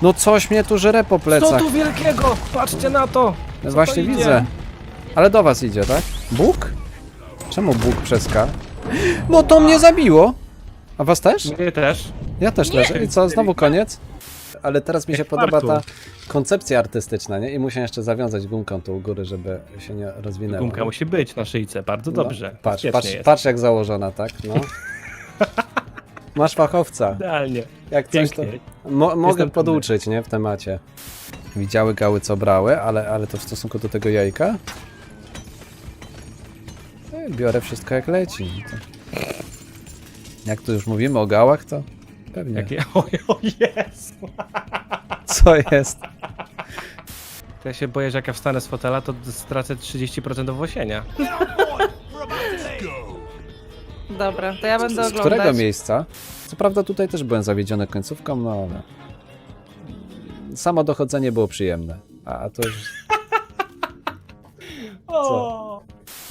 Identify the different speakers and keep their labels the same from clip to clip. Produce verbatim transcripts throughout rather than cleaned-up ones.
Speaker 1: No coś mnie tu żre po
Speaker 2: Co
Speaker 1: plecach.
Speaker 2: tu wielkiego? Patrzcie na to!
Speaker 1: No
Speaker 2: Co
Speaker 1: właśnie
Speaker 2: to idzie?
Speaker 1: widzę. Ale do was idzie, tak? Bóg? Czemu Bóg przez K? No to mnie zabiło! A was też?
Speaker 2: Mnie też.
Speaker 1: Ja też leżę. I co, znowu koniec? Ale teraz mi się
Speaker 2: Jak
Speaker 1: podoba
Speaker 2: parku.
Speaker 1: ta koncepcja artystyczna, nie? I muszę jeszcze zawiązać gumką tu u góry, żeby się nie rozwinęło.
Speaker 2: Gumka musi być na szyjce, bardzo
Speaker 1: No,
Speaker 2: dobrze.
Speaker 1: patrz,
Speaker 2: Bezpiecznie
Speaker 1: patrz,
Speaker 2: jest.
Speaker 1: patrz jak założona, tak? No. Masz fachowca.
Speaker 2: Idealnie.
Speaker 1: Jak coś to...
Speaker 2: Pięknie.
Speaker 1: Mo mogę
Speaker 2: Jestem
Speaker 1: poduczyć, nie? W temacie. Widziały gały, co brały, ale, ale to w stosunku do tego jajka? E, Biorę wszystko jak leci. No to... Jak tu już mówimy o gałach, to pewnie.
Speaker 2: Jakie... O, o Jezu!
Speaker 1: Co jest?
Speaker 2: To ja się boję, że jak ja wstanę z fotela, to stracę trzydzieści procent owłosienia.
Speaker 3: Dobra, to ja będę
Speaker 1: Z
Speaker 3: oglądać.
Speaker 1: którego miejsca? Co prawda tutaj też byłem zawiedziony końcówką, no ale... Samo dochodzenie było przyjemne. A, a to już... Co?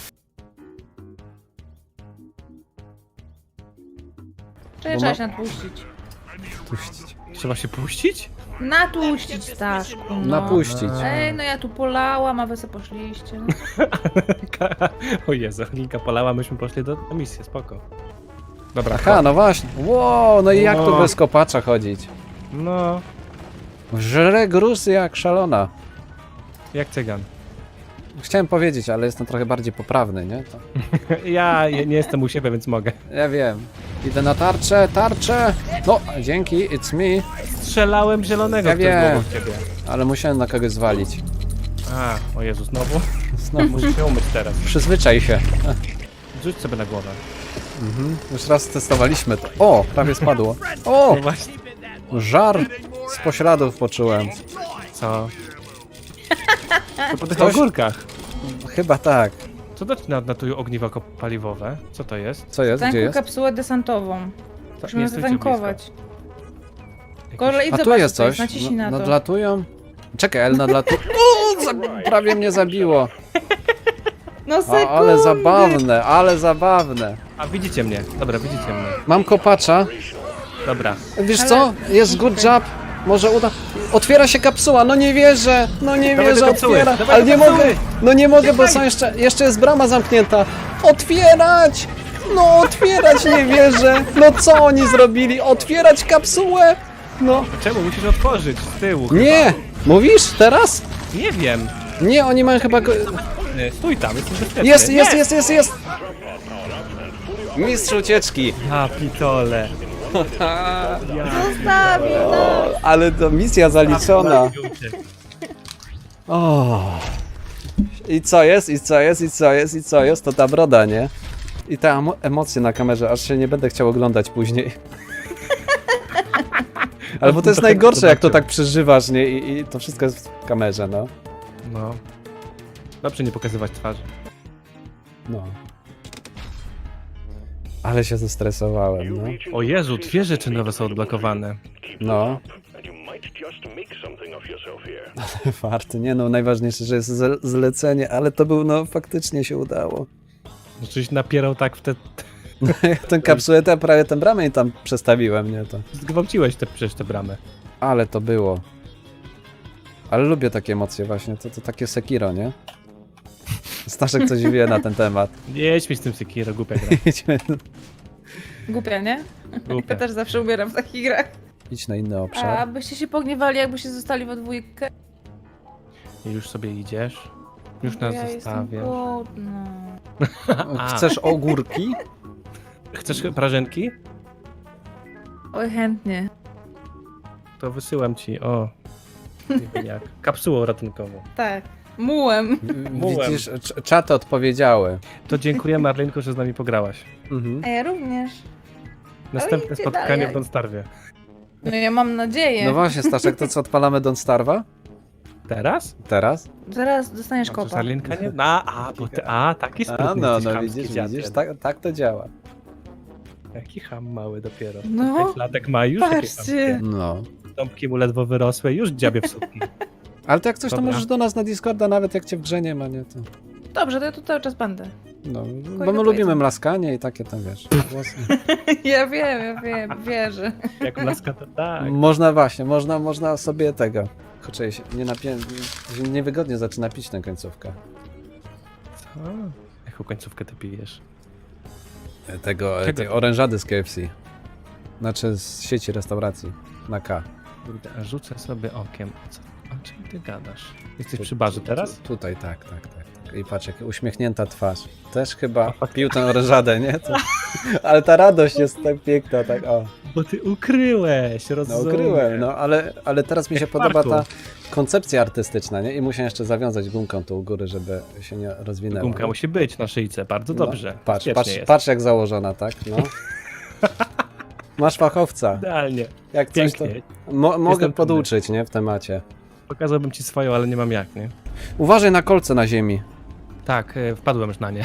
Speaker 3: Czy
Speaker 1: Bo
Speaker 3: trzeba
Speaker 1: ma-
Speaker 3: się natłuścić?
Speaker 1: Puścić.
Speaker 2: Trzeba się puścić?
Speaker 3: Natłuścić, Staszku, no.
Speaker 1: Napuścić.
Speaker 3: Ej, no ja tu polałam, a wy sobie poszliście. No.
Speaker 2: O Jezu, Linka polała, myśmy poszli do na misję, spoko. Dobra,
Speaker 1: Aha, no właśnie. Wow, no i jak tu
Speaker 2: No.
Speaker 1: bez kopacza chodzić?
Speaker 2: no,
Speaker 1: Żre gruz jak szalona.
Speaker 2: jak cygan.
Speaker 1: Chciałem powiedzieć, ale jestem trochę bardziej poprawny, nie? To...
Speaker 2: Ja je- nie jestem u siebie, więc mogę.
Speaker 1: Ja wiem. Idę na tarczę, tarczę! No, dzięki, it's me.
Speaker 2: Strzelałem zielonego,
Speaker 1: Ja
Speaker 2: który był
Speaker 1: wiem.
Speaker 2: obok ciebie.
Speaker 1: Ale musiałem na kogoś zwalić.
Speaker 2: A, o Jezu, znowu?
Speaker 1: Znowu.
Speaker 2: Muszę się umyć teraz.
Speaker 1: Przyzwyczaj się.
Speaker 2: Rzuć sobie na głowę.
Speaker 1: Mhm. Już raz testowaliśmy to. O, prawie spadło. O,
Speaker 2: No właśnie.
Speaker 1: żar z pośladów poczułem.
Speaker 2: Co? To po tych
Speaker 1: Ktoś-
Speaker 2: ogórkach.
Speaker 1: Chyba tak.
Speaker 2: Co to na, na tu ogniwa ko- paliwowe? Co to jest?
Speaker 1: Co jest? Gdzie
Speaker 3: Tankuj
Speaker 1: jest?
Speaker 3: kapsułę desantową. Musimy
Speaker 2: nie stójcie
Speaker 3: zatankować.
Speaker 2: blisko.
Speaker 3: Kolej,
Speaker 1: A tu
Speaker 3: zobacz,
Speaker 1: jest
Speaker 3: co
Speaker 1: coś.
Speaker 3: Naciśnij
Speaker 1: No-
Speaker 3: na to.
Speaker 1: Nadlatują. Czekaj, ale nadlatu... O, za... prawie mnie zabiło.
Speaker 3: No
Speaker 1: O,
Speaker 3: sekundy!
Speaker 1: ale zabawne, ale zabawne.
Speaker 2: A widzicie mnie. Dobra, widzicie mnie.
Speaker 1: Mam kopacza.
Speaker 2: Dobra.
Speaker 1: Wiesz
Speaker 3: Ale-
Speaker 1: co? Jest good job. Może uda... Otwiera się kapsuła, no nie wierzę. No nie
Speaker 2: Dawaj
Speaker 1: wierzę,
Speaker 2: do kapsuły,
Speaker 1: otwiera.
Speaker 2: dawaj
Speaker 1: Ale
Speaker 2: do
Speaker 1: nie
Speaker 2: kapsuły.
Speaker 1: mogę. No nie mogę, bo są jeszcze... Jeszcze jest brama zamknięta. Otwierać! No otwierać, nie wierzę. No co oni zrobili? Otwierać kapsułę? No.
Speaker 2: Czemu? Musisz otworzyć z tyłu.
Speaker 1: Nie! Mówisz teraz?
Speaker 2: Chyba. Nie wiem.
Speaker 1: Nie, oni mają chyba... Go...
Speaker 2: Nie, stój tam, jesteś bezpieczny.
Speaker 1: Jest,
Speaker 2: Nie!
Speaker 1: jest, jest, jest, jest! Mistrz ucieczki.
Speaker 2: Ja pitole.
Speaker 3: Zostawił, no!
Speaker 1: Ale to misja zaliczona. O. I co jest, i co jest, i co jest, i co jest, to ta broda, nie? I te emo- emocje na kamerze, aż się nie będę chciał oglądać później. Ale bo to jest najgorsze, jak to tak przeżywasz, nie? I, i to wszystko jest w kamerze, no.
Speaker 2: No. Dobrze nie pokazywać twarzy.
Speaker 1: No. Ale się zestresowałem, no.
Speaker 2: O Jezu, dwie rzeczy nowe są odblokowane.
Speaker 1: No. Warty, nie no, najważniejsze, że jest ze- zlecenie, ale to był, no, faktycznie się udało.
Speaker 2: Rzeczywiście napierał tak w te...
Speaker 1: Tę kapsułę, to ja prawie tę bramę i tam przestawiłem, nie to.
Speaker 2: Zgwałciłeś te, przecież te bramy.
Speaker 1: Ale to było. Ale lubię takie emocje właśnie, to, to takie Sekiro, nie? Staszek coś wie na ten temat.
Speaker 2: Nie jedź mi z tym Sekiro, głupia gra.
Speaker 1: Idźmy,
Speaker 3: Głupia, nie?
Speaker 2: Głupia.
Speaker 3: Ja też zawsze umieram w takich grach.
Speaker 1: idź na inny
Speaker 3: A
Speaker 1: obszar.
Speaker 3: byście się pogniewali, jakbyście zostali we dwójkę?
Speaker 2: I już sobie idziesz. Już nas
Speaker 3: Ja jestem
Speaker 2: zostawiasz.
Speaker 3: głodna.
Speaker 1: Chcesz ogórki?
Speaker 2: Chcesz prażenki?
Speaker 3: Oj, chętnie.
Speaker 2: To wysyłam ci, o. Nie wiem jak. Kapsułą ratunkową.
Speaker 3: Tak. Mułem.
Speaker 2: Mułem.
Speaker 1: Widzisz, cz- czaty odpowiedziały.
Speaker 2: To dziękuję Marlenko, że z nami pograłaś.
Speaker 1: Mhm.
Speaker 3: A ja również.
Speaker 2: Następne
Speaker 3: idzie
Speaker 2: spotkanie
Speaker 3: dalej.
Speaker 2: w Don Starwie.
Speaker 3: No ja mam nadzieję.
Speaker 1: No właśnie, Staszek, to co, odpalamy Don't Starve'a?
Speaker 2: Teraz?
Speaker 1: Teraz?
Speaker 3: Zaraz dostaniesz
Speaker 2: A to
Speaker 3: kopa.
Speaker 2: Marlenka nie? A, a, bo ty, a, taki sprytny
Speaker 1: A no,
Speaker 2: jesteś,
Speaker 1: no
Speaker 2: chamski
Speaker 1: widzisz,
Speaker 2: dziadek.
Speaker 1: widzisz, tak, tak to działa.
Speaker 2: Jaki ham mały dopiero.
Speaker 3: No.
Speaker 2: Pięć latek ma już takie
Speaker 3: Patrzcie.
Speaker 2: chamskie.
Speaker 1: No.
Speaker 2: Ząbki mu ledwo wyrosłe, już dziabie w sutki.
Speaker 1: Ale to jak coś, to
Speaker 2: Dobra.
Speaker 1: możesz do nas na Discorda, nawet jak cię w grze nie ma, nie to.
Speaker 3: Dobrze, to ja tu cały czas będę.
Speaker 1: No, bo my
Speaker 3: Fajne
Speaker 1: lubimy
Speaker 3: powiedzenie.
Speaker 1: mlaskanie i takie tam, wiesz, głosy.
Speaker 3: Ja wiem, ja wiem, wierzę.
Speaker 2: Jak laska to tak.
Speaker 1: Można właśnie, można, można sobie tego. Kurczę, się nie napię... się niewygodnie zaczyna pić tę końcówkę.
Speaker 2: Co? Jaką końcówkę ty pijesz?
Speaker 1: Tego,
Speaker 2: Czego?
Speaker 1: tej orężady z K F C. Znaczy z sieci restauracji. Na K.
Speaker 2: Kurde, a rzucę sobie okiem. Co? O czym ty gadasz? Jesteś
Speaker 1: Tu-
Speaker 2: przy barze
Speaker 1: tu-
Speaker 2: teraz?
Speaker 1: Tu, tutaj, tak, tak, tak, tak. I patrz, jak uśmiechnięta twarz. Też chyba pił tę orężadę, nie? To... Ale ta radość jest tak piękna, tak o.
Speaker 2: Bo ty ukryłeś,
Speaker 1: No
Speaker 2: rozumiem.
Speaker 1: ukryłem, no ale, ale teraz mi się
Speaker 2: Jak
Speaker 1: podoba ta
Speaker 2: Marku.
Speaker 1: koncepcja artystyczna, nie? I muszę jeszcze zawiązać gumką tu u góry, żeby się nie rozwinęło.
Speaker 2: Gumka musi być na szyjce, bardzo dobrze.
Speaker 1: No, patrz,
Speaker 2: Bezpiecznie
Speaker 1: patrz,
Speaker 2: jest.
Speaker 1: patrz jak założona, tak? No. Masz fachowca.
Speaker 2: Idealnie.
Speaker 1: Jak coś to...
Speaker 2: Pięknie.
Speaker 1: Mo mogę
Speaker 2: Jestem
Speaker 1: poduczyć, nie? W temacie.
Speaker 2: Pokazałbym ci swoją, ale nie mam jak, nie?
Speaker 1: Uważaj na kolce na ziemi.
Speaker 2: Tak, e, wpadłem już na nie.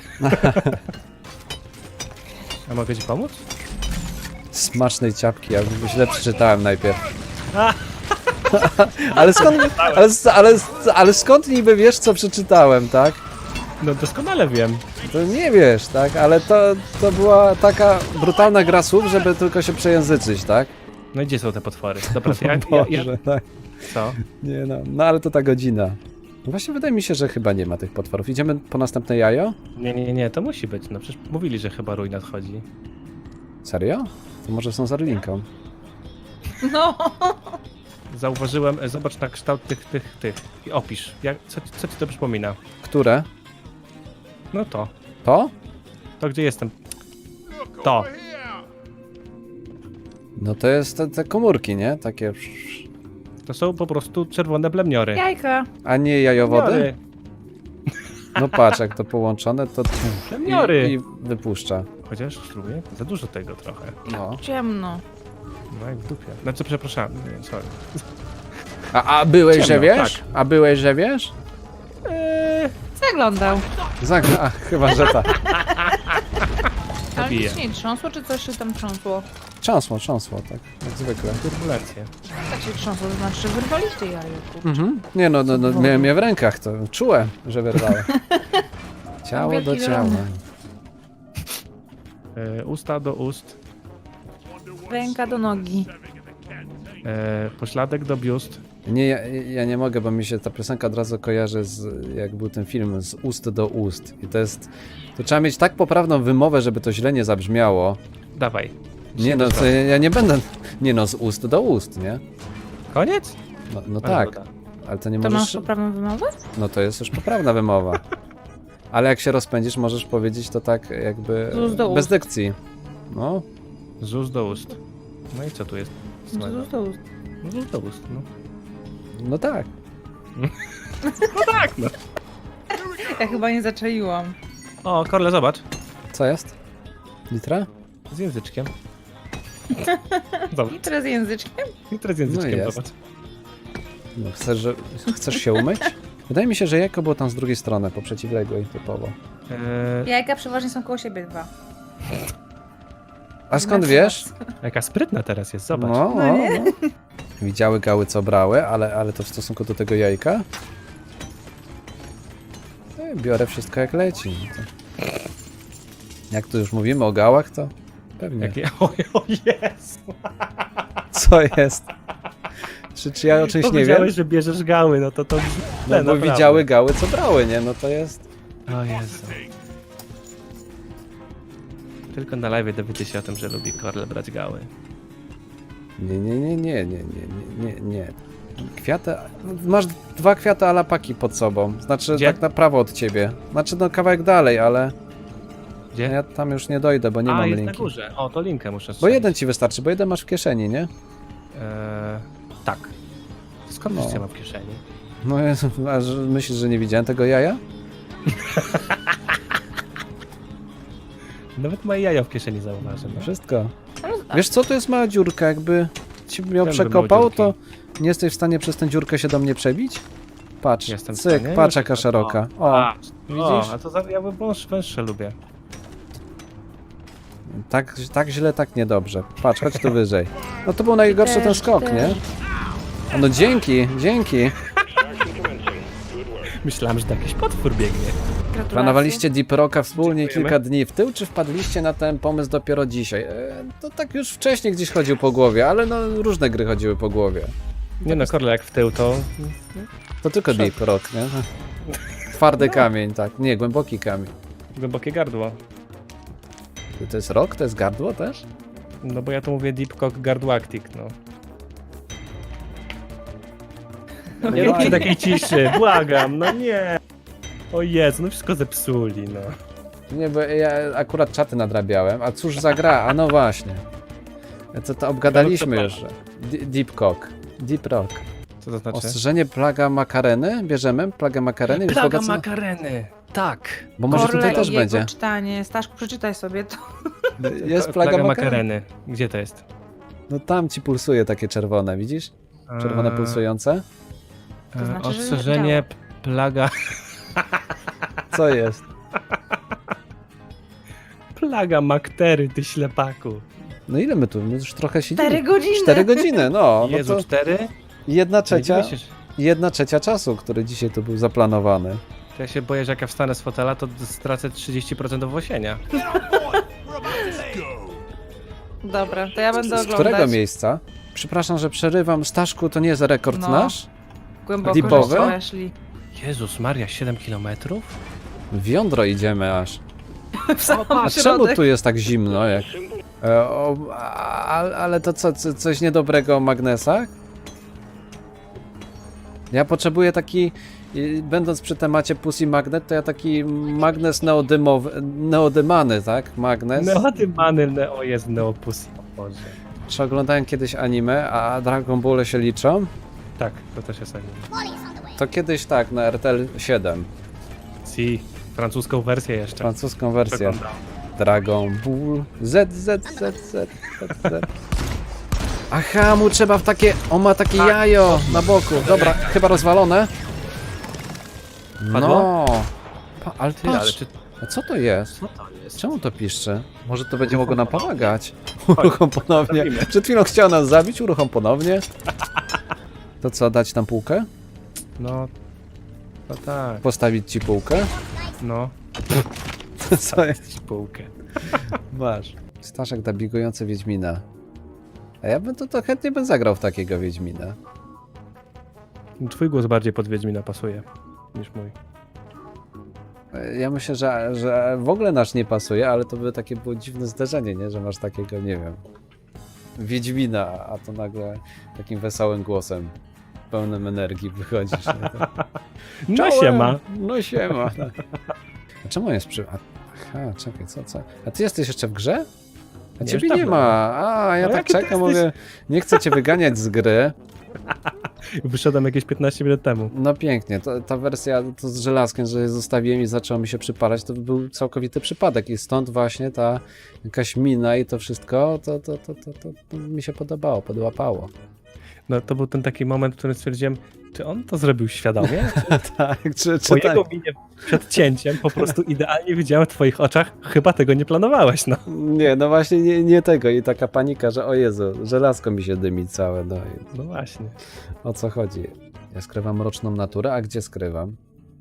Speaker 2: A mogę ci pomóc?
Speaker 1: Smacznej ciapki, ja źle przeczytałem najpierw. ale, skąd, ale, ale, ale skąd niby wiesz, co przeczytałem, tak?
Speaker 2: No doskonale wiem.
Speaker 1: To nie wiesz, tak? Ale to, to była taka brutalna gra słów, żeby tylko się przejęzyczyć, tak?
Speaker 2: No i gdzie są te potwory? Dobra, to ja, ja, ja...
Speaker 1: Boże, tak.
Speaker 2: Co?
Speaker 1: Nie no, no ale to ta godzina. Właśnie wydaje mi się, że chyba nie ma tych potworów. Idziemy po następne jajo?
Speaker 2: Nie, nie, nie, to musi być. No przecież mówili, że chyba rój nadchodzi.
Speaker 1: Serio? To może są z Arlinką.
Speaker 3: No.
Speaker 2: Zauważyłem, e, zobacz na kształt tych, tych, tych. I opisz. Jak, co, ci- co ci to przypomina?
Speaker 1: Które?
Speaker 2: No to.
Speaker 1: To?
Speaker 2: To gdzie jestem? To.
Speaker 1: No to jest te, te komórki, nie? Takie...
Speaker 2: To są po prostu czerwone blemniory.
Speaker 3: Jajka.
Speaker 1: A nie jajowody?
Speaker 2: Blemniory.
Speaker 1: No patrz, jak to połączone, to...
Speaker 2: Blemniory.
Speaker 1: I, I wypuszcza.
Speaker 2: Chociaż spróbuję. Za dużo tego trochę.
Speaker 1: No.
Speaker 3: Ciemno.
Speaker 2: No jak w dupie. Znaczy przepraszam, nie, sorry.
Speaker 1: A, a byłeś, że
Speaker 2: Ciemno,
Speaker 1: wiesz?
Speaker 2: tak.
Speaker 1: A byłeś, że wiesz?
Speaker 2: Eee,
Speaker 3: Zaglądał.
Speaker 1: Zagra... A, chyba, że tak.
Speaker 3: Ale
Speaker 2: Zabije.
Speaker 3: nic nie trząsło, czy coś się tam trząsło?
Speaker 1: Trząsło, trząsło, tak. Jak zwykle.
Speaker 2: turbulencje.
Speaker 3: Tak się trząsło, to znaczy, że wyrwaliście jajo. kurczę.
Speaker 1: Mhm. Nie no, no, no miałem je w rękach, to czułem, że wyrwałem. Ciało do
Speaker 3: Wielki
Speaker 1: ciała.
Speaker 3: zielony.
Speaker 2: E, usta do ust.
Speaker 3: Ręka do nogi.
Speaker 2: E, pośladek do biust.
Speaker 1: Nie, ja, ja nie mogę, bo mi się ta piosenka od razu kojarzy z, jak był ten film, z ust do ust. I to jest, to trzeba mieć tak poprawną wymowę, żeby to źle nie zabrzmiało.
Speaker 2: Dawaj.
Speaker 1: Nie no, to ja, ja nie będę, nie no, z ust do ust, nie?
Speaker 2: Koniec?
Speaker 1: No, no
Speaker 2: Ale
Speaker 1: tak,
Speaker 2: woda.
Speaker 1: ale to nie
Speaker 3: To masz
Speaker 1: możesz,
Speaker 3: poprawną wymowę?
Speaker 1: no to jest już poprawna wymowa. Ale jak się rozpędzisz, możesz powiedzieć to tak jakby
Speaker 3: Z ust do
Speaker 1: bez
Speaker 3: ust.
Speaker 1: dykcji. No,
Speaker 2: Z ust do ust. No i co tu jest?
Speaker 3: To
Speaker 2: złego?
Speaker 3: ust do ust.
Speaker 2: No, z ust do ust, no.
Speaker 1: no tak.
Speaker 2: Tak, no.
Speaker 3: Ja chyba nie zaczaiłam.
Speaker 2: O, Korle, zobacz.
Speaker 1: Co jest? Litra?
Speaker 2: Z języczkiem. Zobacz.
Speaker 3: I teraz języczkiem?
Speaker 2: I teraz z języczkiem,
Speaker 1: No jest.
Speaker 2: zobacz.
Speaker 1: No, chcesz, że, chcesz się umyć? Wydaje mi się, że jajko było tam z drugiej strony, po przeciwległej typowo.
Speaker 2: E,
Speaker 3: Jajka przeważnie są koło siebie dwa.
Speaker 1: A skąd
Speaker 3: Na
Speaker 1: wiesz?
Speaker 3: przykład.
Speaker 2: jaka sprytna teraz jest, zobacz.
Speaker 1: No,
Speaker 3: No
Speaker 1: no,
Speaker 3: nie?
Speaker 1: no. Widziały gały, co brały, ale, ale to w stosunku do tego jajka? No, biorę wszystko jak leci. No to... Jak tu już mówimy o gałach, to pewnie.
Speaker 2: Jakie... O, o jest!
Speaker 1: Co jest? Czy, czy ja o czymś nie wiem?
Speaker 2: Powiedziałeś, że bierzesz gały, no to to...
Speaker 1: No
Speaker 2: źle,
Speaker 1: bo
Speaker 2: naprawdę.
Speaker 1: widziały gały, co brały, nie? No to jest...
Speaker 2: O Jezu. Tylko na live dowiecie się o tym, że lubi Korle brać gały.
Speaker 1: Nie, nie, nie, nie, nie, nie, nie, nie. Kwiaty... Masz dwa kwiaty alapaki pod sobą. Znaczy
Speaker 2: Gdzie?
Speaker 1: tak na prawo od ciebie. Znaczy no kawałek dalej, ale...
Speaker 2: Gdzie?
Speaker 1: Ja tam już nie dojdę, bo nie
Speaker 2: A,
Speaker 1: mam
Speaker 2: jest
Speaker 1: linki.
Speaker 2: na górze. O, to linkę muszę
Speaker 1: Bo
Speaker 2: strzelić.
Speaker 1: jeden ci wystarczy, bo jeden masz w kieszeni, nie?
Speaker 2: Eee, tak. Skąd
Speaker 1: No.
Speaker 2: wiesz, co ja mam w kieszeni?
Speaker 1: No Jezu, a że myślisz, że nie widziałem tego jaja?
Speaker 2: Nawet moje jajo w kieszeni zauważy. No.
Speaker 1: Wszystko.
Speaker 3: A
Speaker 1: Wiesz co, to jest mała dziurka, jakby ci miał
Speaker 2: Wiem, że
Speaker 1: przekopał,
Speaker 2: małe
Speaker 1: to nie jesteś w stanie przez tę dziurkę się do mnie przebić? Patrz,
Speaker 2: Jestem w
Speaker 1: cyk,
Speaker 2: stanie.
Speaker 1: patrz jaka szeroka. O,
Speaker 2: A, o,
Speaker 1: widzisz?
Speaker 2: a to za, ja wąż, węższe lubię.
Speaker 1: Tak, tak źle, tak niedobrze. Patrz, chodź tu wyżej. No to był najgorszy ten
Speaker 3: też,
Speaker 1: skok,
Speaker 3: też.
Speaker 1: nie? No dzięki, dzięki.
Speaker 2: Myślałem, że to jakiś potwór biegnie.
Speaker 3: Gratulacje.
Speaker 1: Planowaliście Deep Rocka wspólnie
Speaker 2: Dziękujemy.
Speaker 1: kilka dni w tył, czy wpadliście na ten pomysł dopiero dzisiaj? E, to tak już wcześniej gdzieś chodził po głowie, ale no różne gry chodziły po głowie.
Speaker 2: Nie no, Korle, jak w tył, to...
Speaker 1: To tylko
Speaker 2: Szok.
Speaker 1: Deep Rock, nie? Twardy kamień, tak. Nie, głęboki kamień.
Speaker 2: Głębokie gardło.
Speaker 1: To jest rock? To jest gardło też?
Speaker 2: No bo ja to mówię Deep Cock Gardłactic, no. Nie róbcie takiej ciszy, błagam, no nie. O Jezu, no wszystko zepsuli, no.
Speaker 1: Nie, bo ja akurat czaty nadrabiałem, a cóż za gra? A no właśnie. To, to obgadaliśmy już. D- Deep Cock. Deep Rock.
Speaker 2: Co to znaczy?
Speaker 1: Ostrzeżenie plaga makareny. Bierzemy plagę makareny. Już
Speaker 2: Plaga
Speaker 1: bogacę-
Speaker 2: makareny, tak.
Speaker 1: Bo może
Speaker 3: Korle
Speaker 1: tutaj też
Speaker 3: i jego
Speaker 1: będzie.
Speaker 3: czytanie. Staszku, przeczytaj sobie to.
Speaker 1: Jest plaga makareny.
Speaker 2: Gdzie to jest?
Speaker 1: No tam ci pulsuje takie czerwone, widzisz? Czerwone
Speaker 2: Eee,
Speaker 1: pulsujące.
Speaker 3: To znaczy, że
Speaker 2: Ostrzeżenie,
Speaker 3: działa.
Speaker 2: p- plaga...
Speaker 1: Co jest?
Speaker 2: Plaga maktery, ty ślepaku.
Speaker 1: No ile my tu? My już trochę siedzimy.
Speaker 3: Cztery godziny!
Speaker 1: Cztery godziny, no. no
Speaker 2: Jezu,
Speaker 1: to
Speaker 2: cztery?
Speaker 1: jedna trzecia,
Speaker 2: Myślisz,
Speaker 1: jedna trzecia czasu, który dzisiaj tu był zaplanowany.
Speaker 2: to ja się boję, że jak ja wstanę z fotela, to stracę trzydzieści procent owłosienia.
Speaker 3: Dobra, to ja będę
Speaker 1: Z
Speaker 3: oglądać.
Speaker 1: którego miejsca? Przepraszam, że przerywam. Staszku, to nie jest rekord
Speaker 3: No.
Speaker 1: nasz?
Speaker 3: Głęboko
Speaker 1: Deepowy?
Speaker 3: żeście weszli.
Speaker 2: Jezus Maria, siedem kilometrów?
Speaker 1: W jądro idziemy aż.
Speaker 3: W sam
Speaker 1: A czemu
Speaker 3: środek.
Speaker 1: tu jest tak zimno? Jak... E, o, a, ale to co, co, coś niedobrego o magnesach? Ja potrzebuję taki, i będąc przy temacie Pussy Magnet, to ja taki magnes neodymowy, neodymany, tak? Magnes.
Speaker 2: Neodymany, neo jest neopus. O Boże.
Speaker 1: Czy oglądałem kiedyś anime, a Dragon Ball się liczą?
Speaker 2: Tak, to też jest anime.
Speaker 1: To kiedyś tak, na R T L siedem.
Speaker 2: Si, francuską wersję jeszcze.
Speaker 1: Francuską wersję.
Speaker 2: Przeglądam.
Speaker 1: Dragon Ball Z, Z, Z, Z, Z, Z. Aha, mu trzeba w takie... On ma takie
Speaker 2: Tak.
Speaker 1: jajo na boku. Dobra, chyba rozwalone.
Speaker 2: Padło?
Speaker 1: No. Pa, ale ty,
Speaker 2: Ty, ale
Speaker 1: ale
Speaker 2: czy...
Speaker 1: A co to jest?
Speaker 2: Co to jest?
Speaker 1: Czemu to piszczy? Może to będzie mogło
Speaker 2: Uruchom
Speaker 1: nam
Speaker 2: ponownie.
Speaker 1: pomagać. Uruchom ponownie.
Speaker 2: Zrobimy.
Speaker 1: Przed chwilą chciał nas zabić, uruchom ponownie. To co, dać tam półkę?
Speaker 2: No... No tak,
Speaker 1: Postawić ci półkę?
Speaker 2: no.
Speaker 1: Co jest?
Speaker 2: Spółkę.
Speaker 1: Masz. Staszek dabigujący Wiedźmina. A ja bym to, to chętnie bym zagrał w takiego Wiedźmina.
Speaker 2: Twój głos bardziej pod Wiedźmina pasuje niż mój.
Speaker 1: Ja myślę, że, że w ogóle nasz nie pasuje, ale to by takie było dziwne zdarzenie, nie? Że masz takiego, nie wiem, Wiedźmina, a to nagle takim wesołym głosem, pełnym energii wychodzisz. Nie? To...
Speaker 2: No
Speaker 1: Czołem!
Speaker 2: siema.
Speaker 1: No siema. A czemu on jest przy... A, aha, czekaj, co, co? A ty jesteś jeszcze w grze? A
Speaker 2: Nie,
Speaker 1: ciebie
Speaker 2: już
Speaker 1: nie
Speaker 2: dawno.
Speaker 1: ma. A, ja
Speaker 2: No
Speaker 1: tak
Speaker 2: jaki ty
Speaker 1: czekam,
Speaker 2: jesteś?
Speaker 1: mówię, nie chcę cię wyganiać z gry.
Speaker 2: Wyszedłem jakieś piętnaście minut temu.
Speaker 1: No pięknie, to, ta wersja to z żelazkiem, że je zostawiłem i zaczęło mi się przypalać, to był całkowity przypadek i stąd właśnie ta jakaś mina i to wszystko, to, to, to, to, to, to mi się podobało, podłapało.
Speaker 2: No to był ten taki moment, w którym stwierdziłem, czy on to zrobił świadomie?
Speaker 1: Tak, czy,
Speaker 2: Po
Speaker 1: czy tak?
Speaker 2: jego minie przed cięciem po prostu idealnie widziałem w twoich oczach, chyba tego nie planowałeś, no.
Speaker 1: Nie, no właśnie nie, nie tego i taka panika, że o Jezu, żelazko mi się dymi całe, no i
Speaker 2: No właśnie.
Speaker 1: o co chodzi? Ja skrywam mroczną naturę, a gdzie skrywam?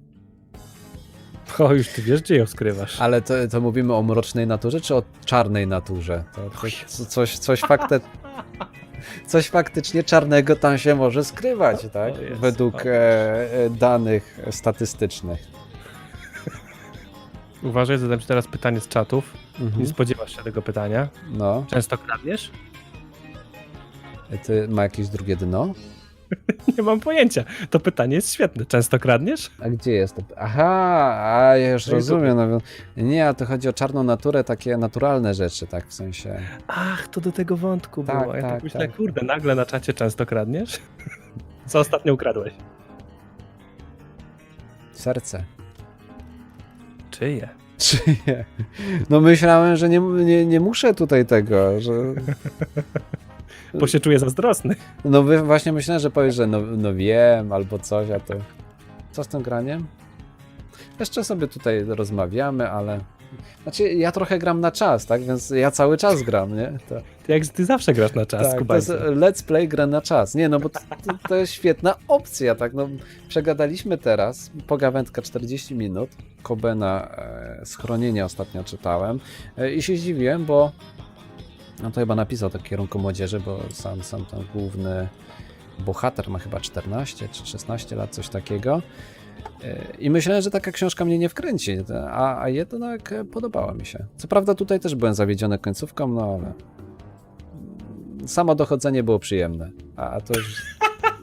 Speaker 2: O, już ty wiesz, gdzie ją skrywasz.
Speaker 1: Ale to, to mówimy o mrocznej naturze, czy o czarnej naturze? To, to, co- coś, coś, fakte, coś faktycznie czarnego tam się może skrywać, tak?
Speaker 2: O Jezu,
Speaker 1: Według
Speaker 2: o
Speaker 1: e, e, danych statystycznych.
Speaker 2: Uważaj, zadam ci teraz pytanie z czatów. Nie
Speaker 1: Mhm.
Speaker 2: spodziewasz się tego pytania.
Speaker 1: No,
Speaker 2: Często kradniesz?
Speaker 1: ty ma jakieś drugie dno?
Speaker 2: Nie mam pojęcia. To pytanie jest świetne. Często kradniesz?
Speaker 1: A gdzie jest to? Aha, a ja już
Speaker 2: No i
Speaker 1: rozumiem. No, nie, a to chodzi o czarną naturę, takie naturalne rzeczy, tak w sensie.
Speaker 2: Ach, to do tego wątku
Speaker 1: Tak,
Speaker 2: było. Ja tak,
Speaker 1: tak,
Speaker 2: myślę,
Speaker 1: tak.
Speaker 2: kurde, nagle na czacie często kradniesz? Co ostatnio ukradłeś?
Speaker 1: Serce.
Speaker 2: Czyje?
Speaker 1: Czyje? No myślałem, że nie, nie, nie muszę tutaj tego, że...
Speaker 2: Bo się czuję zazdrosny.
Speaker 1: No wy- właśnie myślałem, że powiesz, że no, no wiem, albo coś, a to... Co z tym graniem? Jeszcze sobie tutaj rozmawiamy, ale Znaczy, ja trochę gram na czas, tak? Więc ja cały czas gram, nie? To,
Speaker 2: Ty jak ty zawsze grasz na czas,
Speaker 1: tak, to jest
Speaker 2: Kubańcu.
Speaker 1: let's play gra na czas. Nie, no bo to, to, to jest świetna opcja, tak? No, przegadaliśmy teraz, pogawędka czterdzieści minut, Kobena e, Schronienie ostatnio czytałem e, i się zdziwiłem, bo no to chyba napisał to w kierunku młodzieży, bo sam, sam ten główny bohater ma chyba czternaście czy szesnaście lat, coś takiego. I myślałem, że taka książka mnie nie wkręci, a, a jednak podobała mi się. Co prawda tutaj też byłem zawiedziony końcówką, no ale samo dochodzenie było przyjemne. A, a to już...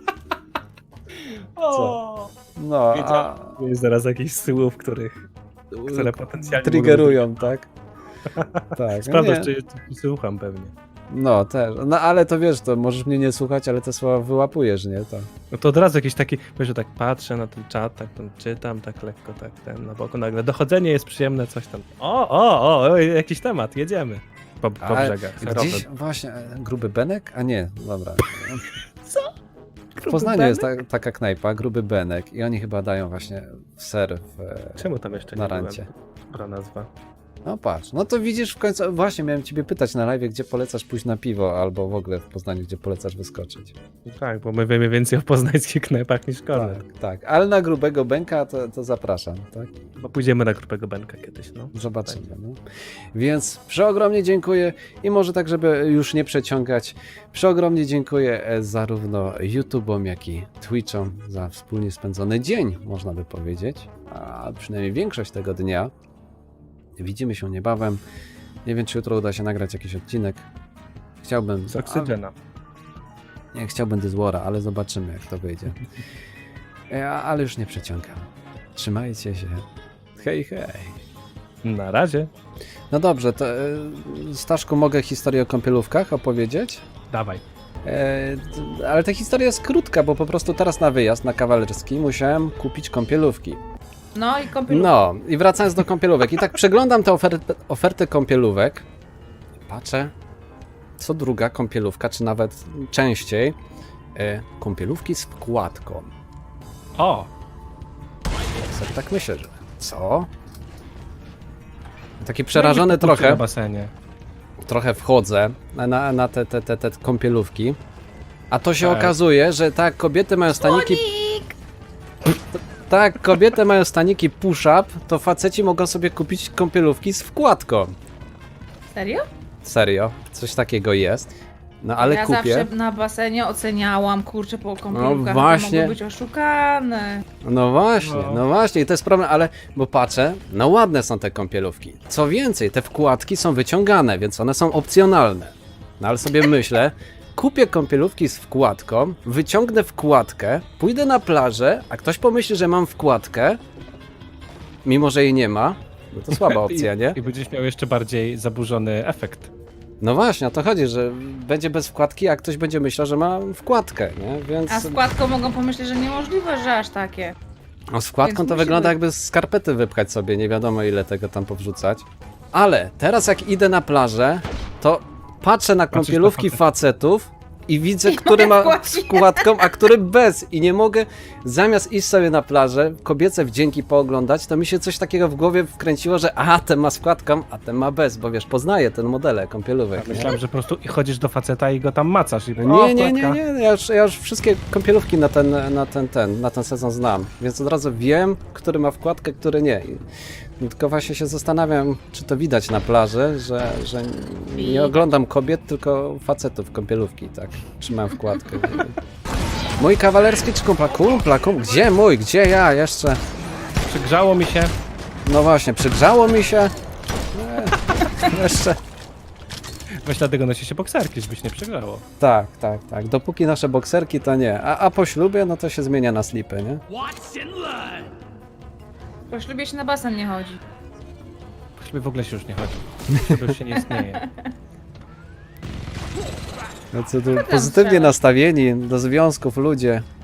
Speaker 1: Co? No, a...
Speaker 2: Wiedziałem. Jest zaraz jakichś słów, których, które potencjalnie
Speaker 1: triggerują, tak? Tak.
Speaker 2: Sprawdzasz,
Speaker 1: nie.
Speaker 2: czy czy słucham pewnie.
Speaker 1: No też, no ale to wiesz, to możesz mnie nie słuchać, ale te słowa wyłapujesz, nie? To...
Speaker 2: No to od razu jakiś taki, wiesz, że tak patrzę na ten czat, tak tam czytam, tak lekko, tak ten na boku, nagle dochodzenie jest przyjemne, coś tam. O, o, o, o jakiś temat, jedziemy. Po, po
Speaker 1: Ale
Speaker 2: brzegach.
Speaker 1: gdzieś właśnie, e, Gruby Benek? A nie, dobra.
Speaker 2: Co?
Speaker 1: W Poznaniu jest ta, taka knajpa, Gruby Benek i oni chyba dają właśnie ser w, e,
Speaker 2: Czemu tam jeszcze
Speaker 1: na
Speaker 2: nie byłem?
Speaker 1: rancie.
Speaker 2: Dobra nazwa.
Speaker 1: No patrz, no to widzisz w końcu, właśnie miałem ciebie pytać na live, gdzie polecasz pójść na piwo, albo w ogóle w Poznaniu, gdzie polecasz wyskoczyć.
Speaker 2: Tak, bo my wiemy więcej o poznańskich knajpach niż Kornel.
Speaker 1: Tak, tak, ale na Grubego Benka to, to zapraszam, tak?
Speaker 2: Bo pójdziemy na grupę Benka kiedyś, no.
Speaker 1: Zobaczymy. No. Więc przeogromnie dziękuję i może tak, żeby już nie przeciągać, przeogromnie dziękuję e, zarówno YouTube'om, jak i Twitch'om za wspólnie spędzony dzień, można by powiedzieć, a przynajmniej większość tego dnia. Widzimy się niebawem. Nie wiem, czy jutro uda się nagrać jakiś odcinek. Chciałbym...
Speaker 2: Z Oksygena.
Speaker 1: A, nie, chciałbym Dyzwora, ale zobaczymy, jak to wyjdzie. E, ale już nie przeciągam. Trzymajcie się. Hej, hej.
Speaker 2: Na razie.
Speaker 1: No dobrze, to e, Staszku, mogę historię o kąpielówkach opowiedzieć?
Speaker 2: Dawaj.
Speaker 1: E, t- ale ta historia jest krótka, bo po prostu teraz na wyjazd, na kawalerski, musiałem kupić kąpielówki.
Speaker 3: No i kąpielówki.
Speaker 1: No, i wracając do kąpielówek. I tak przeglądam tę ofertę, ofertę kąpielówek. Patrzę, co druga kąpielówka, czy nawet częściej, e, kąpielówki z wkładką.
Speaker 2: O!
Speaker 1: Ja sobie tak myślę, że co? Taki przerażony
Speaker 2: Na
Speaker 1: trochę.
Speaker 2: basenie.
Speaker 1: trochę wchodzę na, na te, te, te, te kąpielówki, a to się
Speaker 2: Tak.
Speaker 1: okazuje, że tak, kobiety mają staniki...
Speaker 3: Słonik!
Speaker 1: Tak, kobiety mają staniki push-up, to faceci mogą sobie kupić kąpielówki z wkładką.
Speaker 3: Serio?
Speaker 1: Serio, coś takiego jest. No ale
Speaker 3: ja
Speaker 1: kupię.
Speaker 3: zawsze na basenie oceniałam, kurczę, po kąpielówkach,
Speaker 1: No właśnie.
Speaker 3: to mogły być oszukane.
Speaker 1: No właśnie,
Speaker 2: No.
Speaker 1: no właśnie, i to jest problem, ale bo patrzę, no ładne są te kąpielówki. Co więcej, te wkładki są wyciągane, więc one są opcjonalne. No ale sobie myślę, kupię kąpielówki z wkładką, wyciągnę wkładkę, pójdę na plażę, a ktoś pomyśli, że mam wkładkę, mimo że jej nie ma, no to słaba opcja, nie?
Speaker 2: I, I będziesz miał jeszcze bardziej zaburzony efekt.
Speaker 1: No właśnie, o to chodzi, że będzie bez wkładki, a ktoś będzie myślał, że ma wkładkę, nie? Więc...
Speaker 3: A z wkładką mogą pomyśleć, że niemożliwe, że aż takie.
Speaker 1: A z wkładką
Speaker 3: Więc
Speaker 1: to
Speaker 3: musimy-
Speaker 1: wygląda jakby z skarpety wypchać sobie, nie wiadomo ile tego tam powrzucać. Ale teraz jak idę na plażę, to patrzę na
Speaker 2: Patrzysz
Speaker 1: kąpielówki
Speaker 2: na
Speaker 1: facetów i widzę,
Speaker 3: I
Speaker 1: który
Speaker 3: moja
Speaker 1: ma
Speaker 3: wkładki.
Speaker 1: z wkładką, a który bez. I nie mogę, zamiast iść sobie na plażę, kobiece wdzięki pooglądać, to mi się coś takiego w głowie wkręciło, że a, ten ma z wkładką, a ten ma bez, bo wiesz, poznaję ten modele kąpielówek.
Speaker 2: Ja
Speaker 1: nie?
Speaker 2: myślałem, że po prostu i chodzisz do faceta i go tam macasz. I,
Speaker 1: Nie,
Speaker 2: o,
Speaker 1: nie, nie,
Speaker 2: wkładka.
Speaker 1: nie, ja już, ja już wszystkie kąpielówki na ten, na ten, ten, na ten sezon znam, więc od razu wiem, który ma wkładkę, który nie. I tylko właśnie się zastanawiam, czy to widać na plaży, że, że nie oglądam kobiet, tylko facetów kąpielówki, tak, trzymam wkładkę. Mój kawalerski czy kumpla? Kumpla, kumpla, gdzie mój, gdzie ja jeszcze?
Speaker 2: Przygrzało mi się.
Speaker 1: No właśnie, przygrzało mi się. Nie, jeszcze.
Speaker 2: Weź dlatego nosi się bokserki, żebyś nie przegrzało.
Speaker 1: Tak, tak, tak. Dopóki nasze bokserki, to nie. A, a po ślubie, no to się zmienia na slipy, nie?
Speaker 3: Po ślubie się na basen nie chodzi.
Speaker 2: Chyba w ogóle się już nie chodzi. To już się nie istnieje.
Speaker 1: No co tu pozytywnie nastawieni do związków ludzie.